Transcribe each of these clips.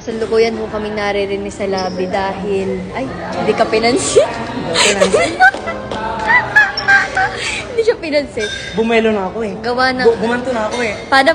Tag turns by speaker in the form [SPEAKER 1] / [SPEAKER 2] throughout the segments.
[SPEAKER 1] Kasalukuyan ho kaming naririnig sa labi dahil, ay, hindi ka pinansin. Hindi siya pinansin.
[SPEAKER 2] Bumelo na ako eh.
[SPEAKER 1] Gawa ng...
[SPEAKER 2] Gumanto na ako eh.
[SPEAKER 1] Paano?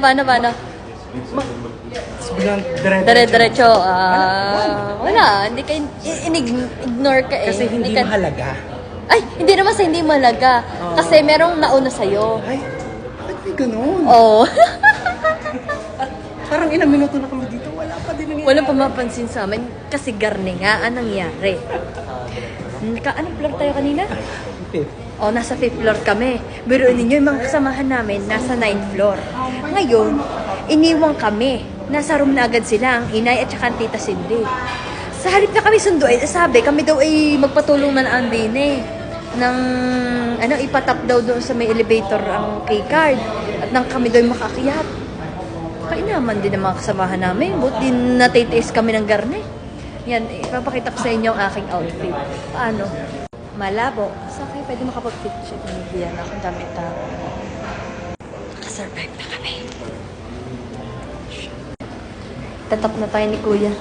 [SPEAKER 2] Biglang
[SPEAKER 1] Dire-diretso. Wala. Hindi ka, ignore ka eh.
[SPEAKER 2] Kasi hindi
[SPEAKER 1] ka,
[SPEAKER 2] mahalaga.
[SPEAKER 1] Ay, hindi naman sa hindi mahalaga. Kasi merong nauna sa'yo.
[SPEAKER 2] Ay, bakit may ganun?
[SPEAKER 1] Oo.
[SPEAKER 2] Parang ilang minuto na kami dito, wala pa din nangyayari.
[SPEAKER 1] Walang pumapansin sa amin kasi garne nga ang nangyari. Anong floor tayo kanina? O, nasa 5th floor kami. Biruin ninyo, yung mga kasamahan namin, nasa 9th floor. Ngayon, iniwang kami. Nasa room na agad sila, ang inay at saka ang tita Cindy. Sa halip na kami sunduin, sabi, kami daw ay magpatulong na ang din eh. Nang, ipatap daw doon sa may elevator ang keycard. At nang kami daw ay makakiyat. Kainaman din ang mga kasamahan namin. Buti natitiis kami ng garne. Yan, ipapakita ko sa inyo ang aking outfit. Paano? Malabo. Sa akin, pwede makapag-fit check. Yan akong damit na. Nakasurvive na kami. Tatap na tayo ni Kuya.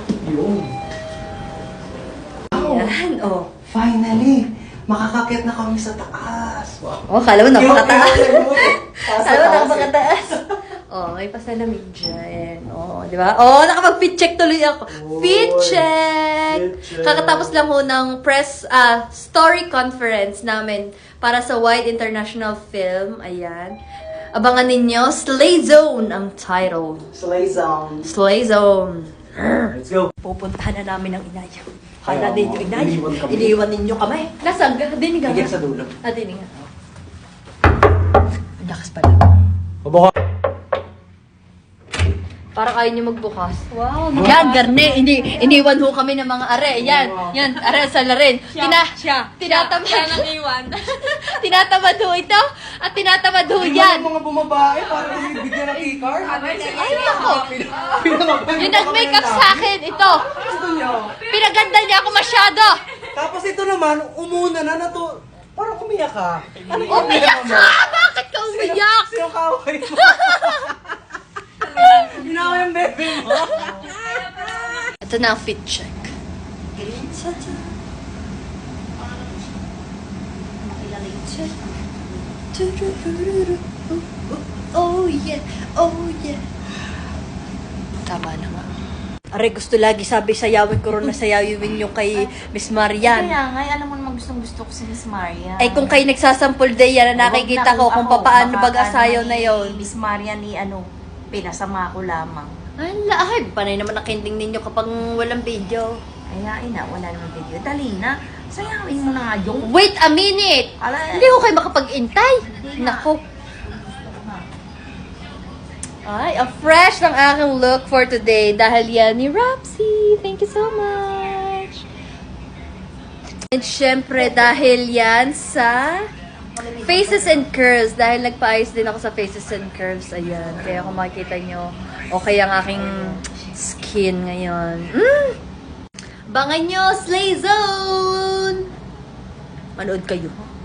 [SPEAKER 1] Yan, oh.
[SPEAKER 2] Finally! Makakakit na kami sa taas! Wow.
[SPEAKER 1] Oh, kala mo napakataas. Kala mo napakataas. Oh, may pasalamig dyan. Oh, di ba? Oh, nakapag-fit check tuloy ako. Fit check! Kakatapos lang ho ng press story conference namin para sa Wide International Film. Ayan. Abangan ninyo, Slay Zone ang title.
[SPEAKER 2] Slay zone.
[SPEAKER 1] Slay Zone.
[SPEAKER 2] Let's go.
[SPEAKER 1] Pupuntahan na namin ang inayo.
[SPEAKER 2] Ay,
[SPEAKER 1] Kala din yung inayo.
[SPEAKER 2] iniwan kami.
[SPEAKER 1] Iniwan ninyo kami. Nasaan? Dinig nga.
[SPEAKER 2] Higit sa dulo.
[SPEAKER 1] Dinig nga. Ang lakas pala.
[SPEAKER 2] Mabuka.
[SPEAKER 1] Parang ayaw niyo magbukas. Wow. Yan, garne. Iniwan ho kami ng mga are. Yan. Yan. Are sa larin. Tinatamad. Siya nang iwan. Tinatamad ho ito. At tinatamad ho yan.
[SPEAKER 2] Yung mga bumabae, parang bigyan ng e-card.
[SPEAKER 1] Ay, ako. Yung nag-makeup sa akin. Ito.
[SPEAKER 2] Gusto niyo.
[SPEAKER 1] Pinaganda niya ako masyado.
[SPEAKER 2] Tapos ito naman, umuna na to. Parang umiyak ka. Ano
[SPEAKER 1] Umiyak ka! Bakit ka umiyak?
[SPEAKER 2] Sino kaway mo? Ginawa yung bebe mo.
[SPEAKER 1] Ito na ang fit check. Oh yeah, oh yeah. Tama na nga. Are, gusto lagi sabi sayawin ko rin na sayawin yung kay Miss Marian.
[SPEAKER 3] Kaya nga, alam mo naman gustong-gusto ko si Miss Maria.
[SPEAKER 1] Ay kung kayo nagsasampul day yan na nakikita ko kung paano bag-asayaw na yon.
[SPEAKER 3] Miss Maria ni pinasama ko lamang.
[SPEAKER 1] Ay, panay naman ang kending ninyo kapag walang video.
[SPEAKER 3] Kaya wala naman video. Dali na, sayawin mo na nga yung...
[SPEAKER 1] Wait a minute!
[SPEAKER 3] Ala,
[SPEAKER 1] Hindi ko kayo makapag-intay. Nako. Ay, a fresh ng aking look for today dahil yan ni Rapsy. Thank you so much. And syempre dahil yan sa Faces and Curves. Dahil nagpa-ayos din ako sa Faces and Curves. Ayan. Kaya kung makikita nyo, okay ang aking skin ngayon. Bangan nyo, Slay Zone! Manood kayo.